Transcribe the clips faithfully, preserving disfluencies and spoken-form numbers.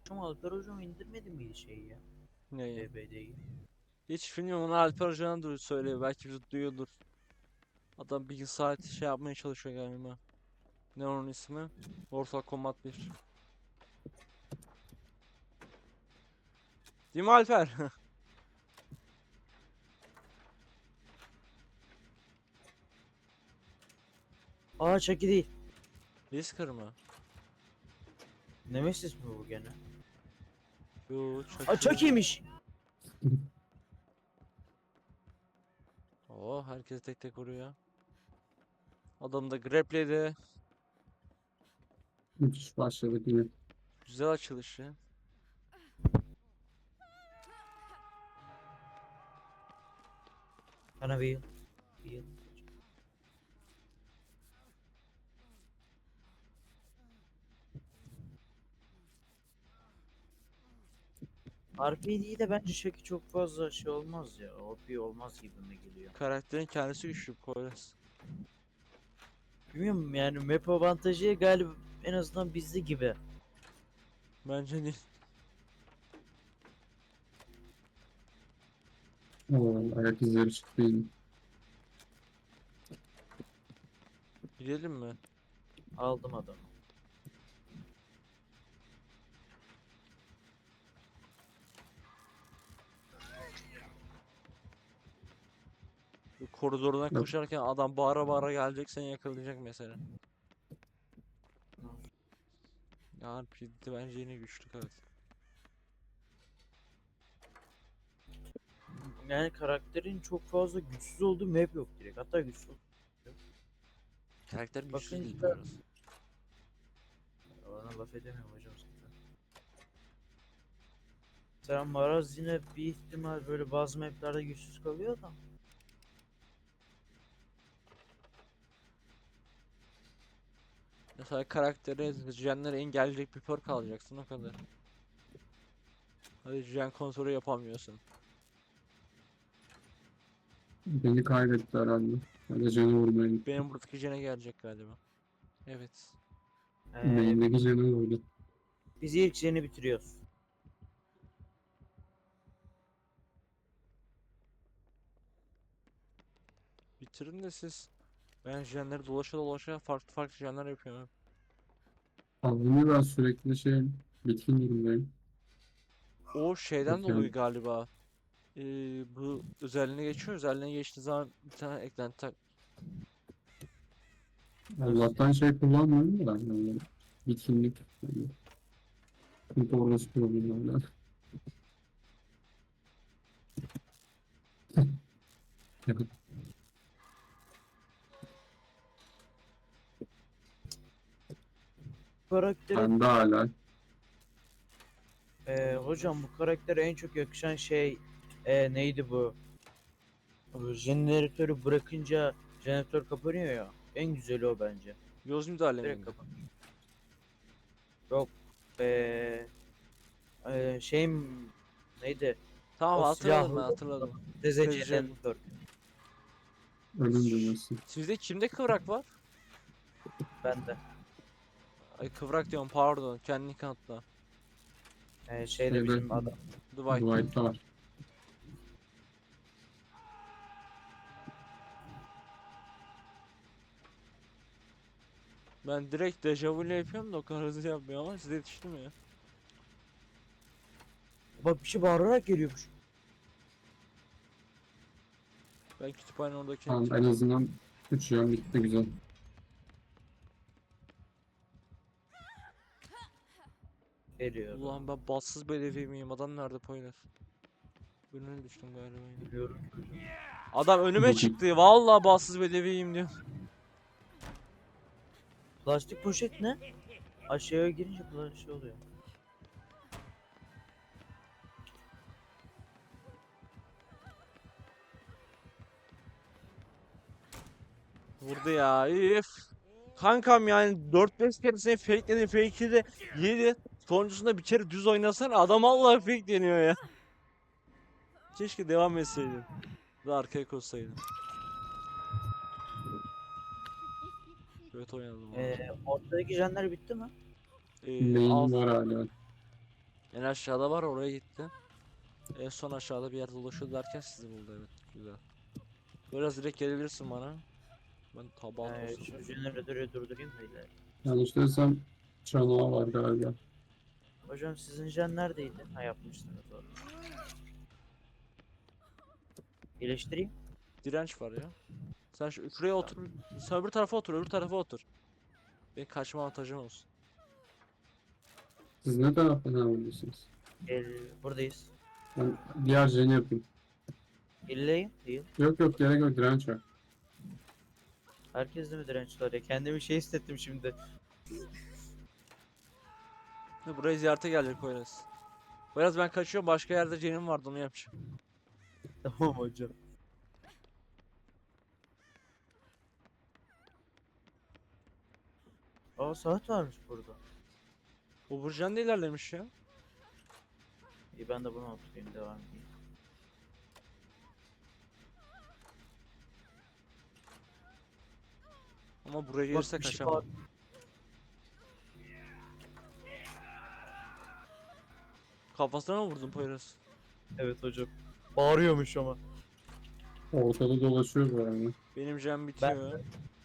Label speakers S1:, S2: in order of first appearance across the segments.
S1: Ama Alper hocam indirmedi mi şeyi ya?
S2: Neyi?
S1: D B D'yi.
S2: Hiç bilmiyorum, onu Alper Hoca'na da söylüyor. Belki bizi duyuyordur. Adam bir saat şey yapmaya çalışıyor galiba. Ne onun ismi? Mortal Kombat bir. Değil mi Alper?
S1: Aa Chucky değil.
S2: Whisker mı?
S1: Nemesis mi bu gene?
S2: Yo,
S1: Aa
S2: Chucky.
S1: Chucky'ymiş.
S2: Oo, herkes tek tek vuruyor. Adam da grapledi.
S3: Müthiş başladık yine.
S2: Güzel açılışı.
S1: Bana bir yıl. Bir yıl. R P D'yi de bence Chucky çok fazla şey olmaz ya. O P olmaz gibime geliyor.
S2: Karakterin kendisi güçlü Poyraz.
S1: Bilmiyorum yani map avantajı galiba en azından bizde gibi.
S2: Bence değil.
S3: Oo, ayak izleri çıktı yine.
S2: Gidelim mi?
S1: Aldım adamı.
S2: Bu koridordan
S3: Yok.
S2: koşarken adam bağıra bağıra gelecek, seni yakalayacak mesela. Ya R P G bence yine güçlü evet.
S1: Yani karakterin çok fazla güçsüz olduğu map yok direkt. Hatta güçsüz.
S2: Karakter güçsüz değil
S1: Bakınca
S2: Poyraz.
S1: ona laf edemiyorum hocam zaten. Sen Maraz yine bir ihtimal böyle bazı maplerde güçsüz kalıyor da.
S2: Mesela karaktere jenleri engelleyecek bir perk alacaksın, o kadar. Hadi jen kontrolü yapamıyorsun.
S3: Beni kaybetti herhalde. Hadi canı vurmaya gitti.
S2: Benim buradaki jene gelecek galiba. Evet.
S1: Ee,
S3: Main'deki canı vurdu.
S1: biz ilk jeni bitiriyoruz.
S2: Bitirin de siz. Ben jenleri dolaşa dolaşa farklı farklı jenler yapıyorum.
S3: Alnımı ben sürekli şey bitkin durumdayım.
S2: O şeyden
S3: Yok yani.
S2: dolayı galiba. Ee, bu özelliğine geçiyor. Özelliğine geçtiği zaman bir tane eklenti tak.
S1: Nasıl
S3: Allah'tan
S1: yani?
S3: şey kullanmıyorum da ben yani bitkinlik. Yani. Çünkü orası problemler.
S1: Karakteri
S3: Ben de hala.
S1: Ee, hocam bu karaktere en çok yakışan şey ee, neydi bu? Bu jeneratörü bırakınca jeneratör kapanıyor ya. En güzeli o bence.
S2: Göz müdahale
S1: Direkt
S2: miydi?
S1: kapan. Yok. Ee, ee, şey m- neydi?
S2: Tamam,
S1: O
S2: hatırladım, ben
S1: silahlı
S2: hatırladım.
S1: D Z C
S2: Tezcil.
S1: jeneratör.
S3: Ölüm demesi.
S2: Sizde kimde kıvrak var?
S1: Bende.
S2: Ay, kıvrak diyorum, pardon. Kendini kanıtla.
S1: Ee, şeyde
S3: Şeyde
S1: bizim adam.
S2: Dwight'ta.
S3: Dwight'ta var.
S2: Ben direkt dejavu ile yapıyorum da o kadar hızlı yapmıyor ama size yetiştim ya.
S1: Bak bir şey bağırarak geliyormuş.
S2: Ben kütüphane oradakine
S3: Tamam, en
S2: gidiyorum.
S3: azından üç yan bitti güzel.
S1: Geliyor
S2: Ulan
S1: adam.
S2: ben bassız belediye miyim? Adam nerede Poyraz? Önüne düştüm galiba yine.
S1: Biliyorum.
S2: Adam önüme
S3: Çok iyi.
S2: çıktı. Vallahi bassız belediyeyim diyor.
S1: Plastik poşet ne? Aşağıya girince böyle şey oluyor.
S2: Vurdu ya. Üf. Kankam yani dört beş kere seni fake'ledin. Fake'i de yedi. Sonuncusunda bir kere düz oynasan adam Allah fake deniyor ya. Keşke devam etseydin. Ve arkaya koşsaydın. Evet, oynadım valla.
S1: Ee, ortadaki jenler bitti mi?
S2: Ee,
S3: Main
S2: alt,
S3: var hala.
S2: En aşağıda var, oraya gitti. En son aşağıda bir yerde dolaşıyor derken sizi buldu, evet güzel. Biraz direkt gelebilirsin bana. Ben taban
S1: Ee,
S2: olsun.
S1: şu jeneratörü durdurayım da ileri.
S3: Yanlış değilsem canavar var galiba.
S1: Hocam sizin jen neredeydi? Ha, yapmışsınız doğru. İyileştireyim.
S2: Direnç var ya. Sen şu şuraya otur. Sen öbür tarafa otur, öbür tarafa otur. Benim kaçma avantajım olsun.
S3: Siz ne taraftan alıyorsunuz?
S1: Gel, buradayız.
S3: Ben diğer jeni yapayım.
S1: İlleyim değil.
S3: Yok yok, gerek yok, direnç var.
S1: Herkes de mi direnç var ya? Kendimi şey hissettim şimdi.
S2: Ya buraya ziyarete gelecek Poyraz. Poyraz ben kaçıyorum, başka yerde cenim vardı, onu yapacağım.
S1: Tamam hocam. Aa, saat varmış burada.
S2: Bu Burcan da ilerlemiş ya.
S1: İyi, ben de bunu oturayım, devam edeyim.
S2: Ama buraya
S1: Bak,
S2: gelirse
S1: bir şey
S2: kaçamam.
S1: var.
S2: Kafasına mı vurdun Poyraz?
S1: Evet hocam. Bağırıyormuş ama.
S3: Ortada dolaşıyor bu arada.
S2: Benim cem bitiyor.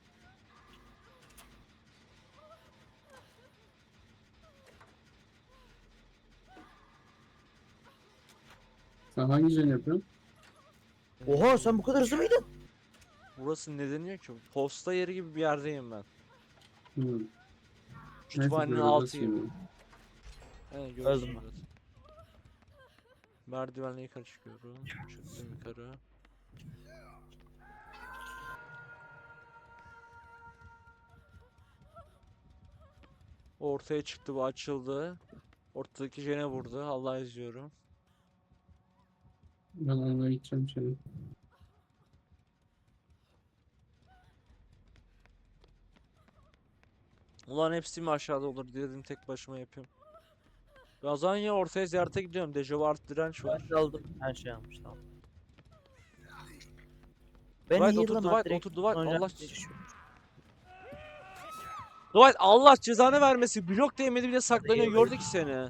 S3: Sen hangi jeni yapıyorsun?
S1: Oha, sen bu kadar hızlı mıydın?
S2: Burası ne deniyor ki? Posta yeri gibi bir yerdeyim ben.
S3: Hmm. Neyse,
S2: Kütüphanenin
S3: göreceğiz
S2: altıyım.
S3: şimdi.
S2: Evet,
S1: Öldüm
S2: görürsün
S1: ben.
S2: biraz. Merdivenle yukarı çıkıyorum. Çıktım yukarı. Ortaya çıktı, bu açıldı. Ortadaki jene vurdu. Allah izliyorum.
S3: Ben onunla gideceğim şimdi.
S2: Ulan hepsi mi aşağıda olur diye dedim, tek başıma yapıyorum. Ben o zaman ya ortaya ziyarete gidiyorum. Dejavu artı direnç var.
S1: Ben de aldım. Her şey almış, tamam. Ben
S2: Dwight
S1: iyi
S2: otur,
S1: yılım
S2: Dwight
S1: direkt
S2: otur, Dwight.
S1: sonra
S2: Allah
S1: geçiyorum.
S2: Dwight, Allah cezanı vermesi. Blok değmedi bile saklanıyor. Gördük seni.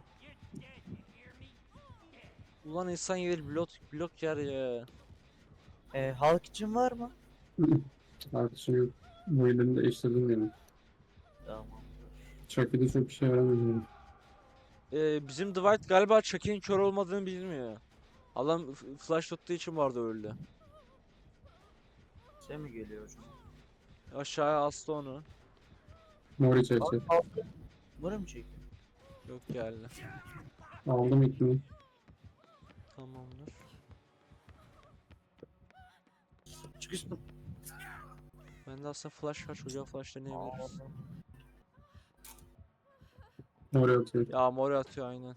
S2: Ulan insan yer blok blok yer ya.
S1: Ee, halk için var mı?
S3: Artık şimdi bu elini değiştirdim yani.
S1: Tamam.
S3: Chucky'de çok işe yaramıyor.
S2: Ee, bizim Dwight galiba Chucky'nin kör olmadığını bilmiyor. Adam f- flash tuttuğu için vardı öldü.
S1: Şey mi geliyor hocam?
S2: Aşağıya astı onu.
S3: Mori çekecek.
S1: Buraya mı çekiyor?
S2: Yok geldi.
S3: Aldım ikini.
S2: Tamamdır.
S1: Çıkıştım.
S2: Bende aslında flash var. Çocuğa flash deneyebiliriz.
S3: Mori atıyor.
S2: Ya mor atıyor aynen.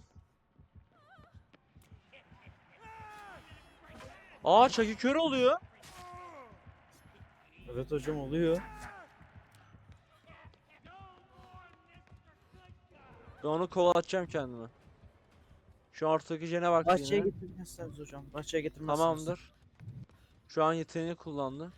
S2: Aa, Chucky kör oluyor.
S1: Evet hocam, oluyor.
S2: Ben onu kovalatacağım kendime. Şu an ortadaki jene bak
S1: Bahçeye
S2: yine.
S1: getirmezseniz hocam. Bahçeye getirmezseniz.
S2: Tamamdır. Şu an yeteneğini kullandı.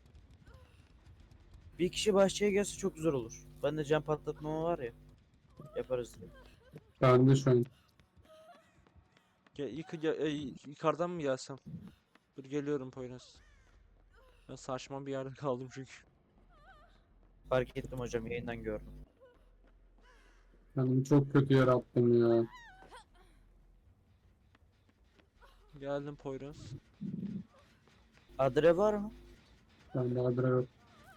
S1: Bir kişi bahçeye gelse çok güzel olur. Ben de cam patlatmama var ya. Yaparız diye.
S3: Ben de şu an.
S2: Gel, yık, gel- e, yukarıdan mı gelsem? Dur geliyorum Poyraz. Ben saçma bir yerde kaldım çünkü.
S1: Fark ettim hocam, yayından gördüm.
S3: Kendimi çok kötü yer attım ya.
S2: Geldim Poyraz.
S1: Adre var mı?
S3: Ben de adre yok.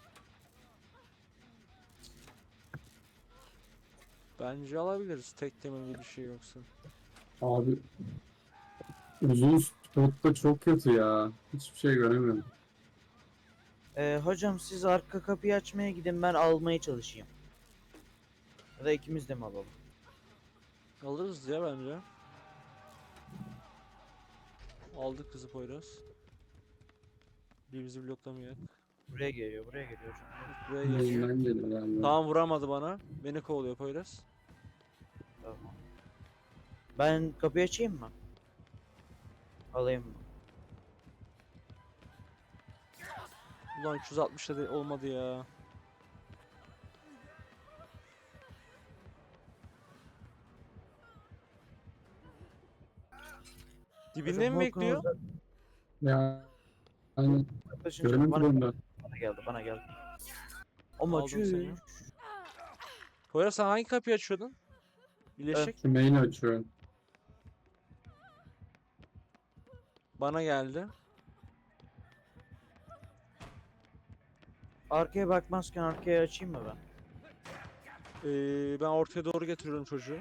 S2: Bence alabiliriz. Tek temelli bir şey yoksa.
S3: Abi uzun spotta çok kötü ya. Hiçbir şey göremiyorum.
S1: Ee, hocam siz arka kapıyı açmaya gidin, ben almaya çalışayım. Ya da ikimiz de mi alalım?
S2: Alırız ya bence. Aldık kızı Poyraz. Bir bizi bloklamayacak.
S1: Buraya geliyor, buraya geliyor hocam.
S2: Buraya geliyor.
S3: Yayından gelir galiba.
S2: Tamam, vuramadı bana. Beni kovalıyor Poyraz.
S1: Tamam. Ben kapıyı açayım mı? Alayım mı?
S2: Ulan üç yüz altmış da de- olmadı ya. Dibinde
S1: Hocam,
S2: mi
S1: Volkan
S2: bekliyor?
S1: orada
S3: Ya yani
S1: yaklaşınca
S3: göremedim
S1: bana,
S3: onu da.
S1: bana geldi bana geldi. Ama
S2: Aldım seni.
S1: çüş.
S2: Poyraz sen hangi kapıyı açıyordun? Birleşik.
S3: Şu main'i açıyor.
S2: Bana geldi.
S1: Arkaya bakmazken arkaya açayım mı ben?
S2: Ee, ben ortaya doğru getiriyorum çocuğu.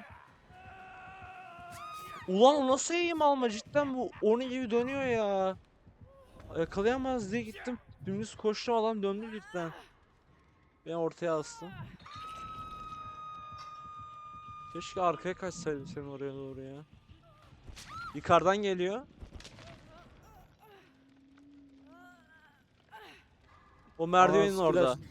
S2: Ulan o nasıl eğim alma cidden bu onun gibi dönüyor ya. Yakalayamaz diye gittim. Dümdüz koştum adam döndü cidden. Ben ortaya astım. Keşke arkaya kaçsaydım senin oraya doğru ya. Yukarıdan geliyor. O merdivenin
S1: skill
S2: orada.
S1: açtım.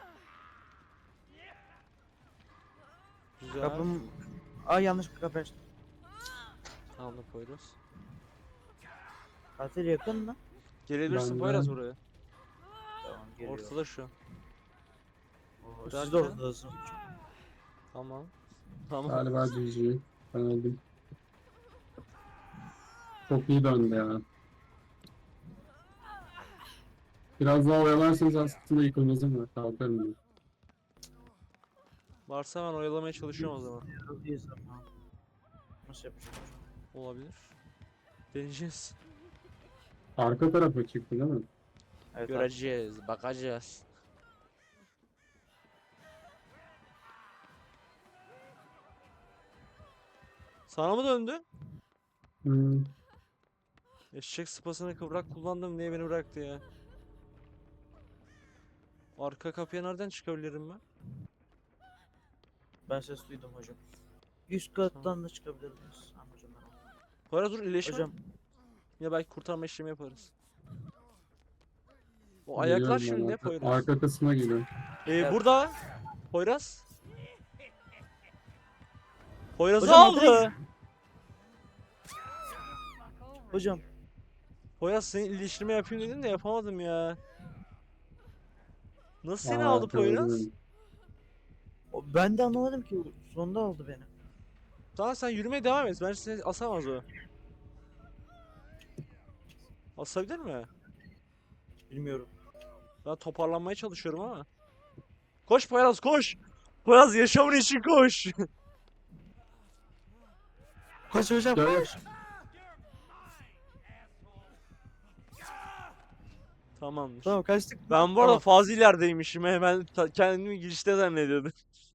S2: Güzel.
S1: Kapım... Ay, yanlış bir kapı açtım.
S2: Tamam Poyraz.
S1: Katil yakın mı?
S2: Gelebilirsin
S3: Ben
S2: Poyraz
S3: de-
S2: buraya.
S1: Tamam, geliyor.
S2: Ortada şu an.
S1: Oo,
S2: Zaten-
S1: siz de ortadasınız.
S2: Tamam. Tamam.
S3: Galiba G G. Ben öldüm. Çok iyi döndü ya. Biraz daha oyalarsanız aslında yıkılmaz mı? Kalkarım ben.
S2: Varsa ben oyalamaya çalışıyorum o zaman.
S1: Yoruluyuz ama. Nasıl yapacağım?
S2: Olabilir. Deneyeceğiz.
S3: Arka tarafa çıktı değil mi?
S1: Evet,
S2: Göreceğiz, bakacağız. Sana mı döndü?
S3: Hmm.
S2: Eşek sıpasını kıvrak kullandım niye beni bıraktı ya? Arka kapıya nereden çıkabilirim ben?
S1: ben ses duydum hocam. Üst kattan da çıkabilirsiniz. Tamam hocam, ben aldım.
S2: Poyraz dur iyileşme.
S1: Hocam,
S2: Ya belki kurtarma işlemi yaparız. O ayaklar
S3: Geliyorum ben
S2: şimdi ne
S3: arka,
S2: Poyraz?
S3: arka kısma geliyor.
S2: Ee,
S1: Evet.
S2: burada. Poyraz. Poyraz'ı
S1: Hocam,
S2: aldı.
S1: adres- hocam
S2: Poyraz senin iyileştirme yapayım dedin de yapamadım ya. Nasıl seni
S3: Aa,
S2: aldı Poyraz?
S3: gördüm.
S1: o- ben de anlamadım ki, sonunda aldı beni.
S2: Tamam sen yürümeye devam et. Bence seni asamaz o. Asabilir mi?
S1: Bilmiyorum.
S2: Ben toparlanmaya çalışıyorum ama. Koş Poyraz koş. Poyraz yaşamın için koş.
S1: Koş hocam,
S3: Gel.
S1: koş.
S2: Tamamdır.
S1: Tamam, kaçtık.
S2: Ben bu arada
S1: Tamam.
S2: fazla ilerideymişim. He. Ben ta- kendimi girişte zannediyordum.